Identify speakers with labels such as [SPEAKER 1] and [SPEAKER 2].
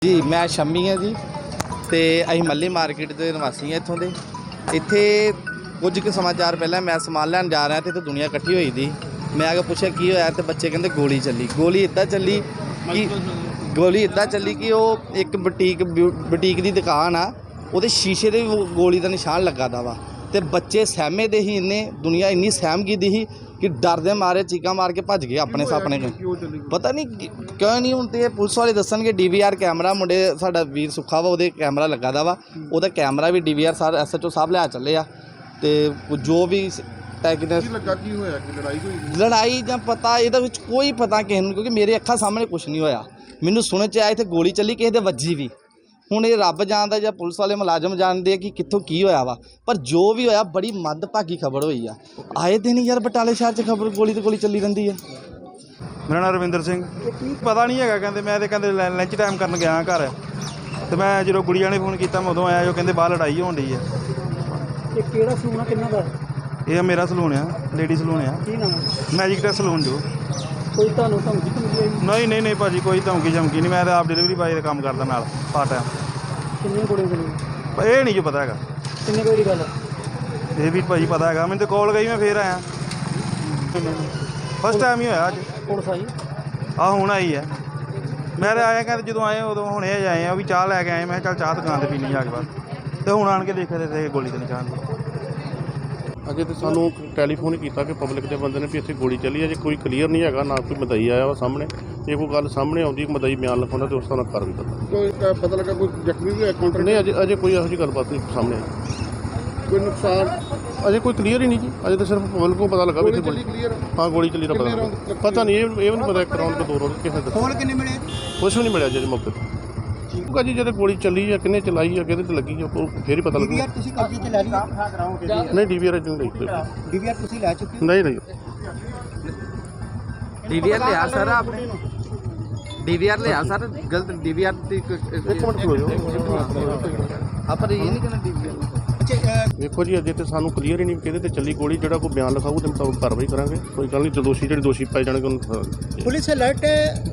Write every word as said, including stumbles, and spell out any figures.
[SPEAKER 1] जी मैं शम्मी हाँ जी तो अं मल्ली मार्केट के निवासी हैं इतों के इत्थे कुछ के समाचार पहले मैं समान लैन जा रहा तो दुनिया इकट्ठी हुई थी। मैं आगे पूछा की होया तो बच्चे कहते गोली चली गोली इदा चली कि गोली इदा चली कि वो एक बुटीक बुटीक की दुकान आ वो शीशे के गोली का निशान लगा दा वा तो बच्चे सहमे दे ही इन्ने दुनिया इन्नी सहम गई दी ही कि डर दे मारे चीका मार के भज गए अपने सापने पता नहीं क्यों नहीं हूँ तो पुलिस वाले दसन डी वी आर कैमरा मुंडे साडा वीर सुखा वा वो कैमरा लगा दा वा वो कैमरा भी D V R sir S H O साहब लिया चले आ तो जो भी लड़ाई ਜਾਂ पता ਇਹਦੇ ਵਿੱਚ कोई पता किसी ਨੂੰ क्योंकि मेरे अखा सामने कुछ नहीं होया मैनू सुने च आया इत्थे गोली चली किसी दे वजी भी ਹੁਣ ਇਹ ਰੱਬ ਜਾਣਦਾ ਜਾਂ ਪੁਲਿਸ ਵਾਲੇ ਮੁਲਾਜ਼ਮ ਜਾਣਦੇ ਆ ਕਿ ਕਿੱਥੋਂ ਕੀ ਹੋਇਆ ਵਾ ਪਰ ਜੋ ਵੀ ਹੋਇਆ ਬੜੀ ਮੰਦਭਾਗੀ ਖਬਰ ਹੋਈ ਆ ਆਏ ਦਿਨ ਯਾਰ ਬਟਾਲੇ ਸ਼ਹਿਰ 'ਚ ਖਬਰ ਗੋਲੀ ਤੇ ਗੋਲੀ ਚੱਲੀ ਰਹਿੰਦੀ ਆ।
[SPEAKER 2] ਮੇਰਾ ਨਾਮ ਰਵਿੰਦਰ ਸਿੰਘ ਪਤਾ ਨਹੀਂ ਹੈਗਾ ਕਹਿੰਦੇ ਮੈਂ ਤੇ ਕਹਿੰਦੇ ਲੰਚ ਟਾਈਮ ਕਰਨ ਗਿਆ ਘਰ ਤੇ ਮੈਂ ਜਦੋਂ ਗੁੜੀਆਂ ਨੇ ਫੋਨ ਕੀਤਾ ਮੈਂ ਉਦੋਂ ਆਇਆ ਜੋ ਕਹਿੰਦੇ ਬਾਹਰ ਲੜਾਈ ਹੋਣ ਡਈ ਆ।
[SPEAKER 3] ਇਹ ਕਿਹੜਾ ਸਲੂਨ ਆ ਕਿੰਨਾ ਦਾ?
[SPEAKER 2] ਇਹ ਮੇਰਾ ਸਲੂਨ ਆ ਲੇਡੀ ਸਲੂਨ ਆ।
[SPEAKER 3] ਕੀ ਨਾਮ ਹੈ?
[SPEAKER 2] ਮੈਜਿਕ ਟੈਸ ਸਲੂਨ ਜੋ।
[SPEAKER 3] ਕੋਈ ਤੁਹਾਨੂੰ ਧਮਕੀ ਧਮਕੀ ਆਈ?
[SPEAKER 2] ਨਹੀਂ ਨਹੀਂ ਨਹੀਂ ਭਾਜੀ ਕੋਈ ਧਮਕੀ ਧਮਕੀ ਨਹੀਂ ਮੈਂ ਤਾਂ ਆਪ ਡਿਲੀਵਰੀ ਬਾਏ ਦਾ ਕੰਮ ਕਰਦਾ ਨਾਲ ਪਾਰਟ ਟਾਈਮ।
[SPEAKER 3] ਕਿੰਨੀਆਂ ਕੁੜੀਆਂ ਚਲੀਆਂ?
[SPEAKER 2] ਇਹ ਨਹੀਂ ਜੋ ਪਤਾ ਹੈਗਾ
[SPEAKER 3] ਕਿੰਨੇ ਕੋਈ ਦੀ ਗੱਲ?
[SPEAKER 2] ਇਹ ਵੀ ਭਾਜੀ ਪਤਾ ਹੈਗਾ ਮੈਨੂੰ ਤਾਂ ਕਾਲ ਗਈ ਮੈਂ ਫੇਰ ਆਇਆ ਫਸਟ ਟਾਈਮ ਹੀ ਹੋਇਆ ਅੱਜ।
[SPEAKER 3] ਪੁਲਿਸ ਆਈ?
[SPEAKER 2] ਆਹ ਹੁਣ ਆਈ ਹੈ ਮੈਂ ਤਾਂ ਆਇਆ ਕਹਿੰਦੇ ਜਦੋਂ ਆਏ ਉਦੋਂ ਹੁਣੇ ਆਏ ਆ ਵੀ ਚਾਹ ਲੈ ਕੇ ਆਏ ਮੈਂ ਕਿਹਾ ਚੱਲ ਚਾਹ ਦੁਕਾਨ 'ਤੇ ਪੀਣੀ ਜਾ ਕੇ ਬਾਅਦ ਤੇ ਹੁਣ ਆਣ ਕੇ ਦੇਖਦੇ ਤੇ ਗੋਲੀ ਤੇ ਨਿਸ਼ਾਨ ਸੀ।
[SPEAKER 4] अजे तो सानू टैलीफोन किया कि पब्लिक के बंदे ने भी इतने गोली चली है जो कोई क्लीयर नहीं है ना कोई मदई आया वा सामने जे कोई गल सामने आती मदई बयान लिखा तो उस तरह कर भी करता
[SPEAKER 5] कोई पता लगा कोई जख्मी भी है काउंटर
[SPEAKER 4] नहीं अजे अजे कोई ऐसी गलबात नहीं सामने आई
[SPEAKER 5] कोई नुकसान
[SPEAKER 4] अजे कोई क्लीयर ही नहीं जी अजे तो सिर्फ पब्लिक को पता लगा भी
[SPEAKER 5] गोली क्लियर
[SPEAKER 4] हाँ गोली चली का पता पता नहीं ये भी नहीं पता एक राउंड को दो राउंड किसी
[SPEAKER 3] ਕੋਲ ਕਿੰਨੇ ਮਿਲੇ?
[SPEAKER 4] कुछ भी नहीं मिले अजे मौके पर क्योंकि जी जो गोली चली है किन्ने चलाई है कि लगी है फिर ही पता लगेगा।
[SPEAKER 3] ਡੀਵੀਆਰ ਤੁਸੀਂ ਕਬਜ਼ੇ 'ਚ ਲੈ ਲਈ?
[SPEAKER 4] नहीं डी वी आर नहीं नहीं
[SPEAKER 3] ਡੀਵੀਆਰ ਤੁਸੀਂ ਲੈ ਚੁੱਕੇ ਹੋ?
[SPEAKER 4] नहीं नहीं
[SPEAKER 1] डी वी आर लिया सर आपने डी वी आर लिया सर गलत डी वी आर
[SPEAKER 4] एक मिनट खलो
[SPEAKER 1] आप ये नहीं कहना डी वी आर
[SPEAKER 4] देखो जी अजे तो सानू क्लीयर ही नहीं कि चली गोली जो कोई बयान लिखाऊ तो मुताबिक कार्रवाई करेंगे कोई गल नहीं जो दोषी जो दोषी पाए जाने
[SPEAKER 3] पुलिस अलर्ट है।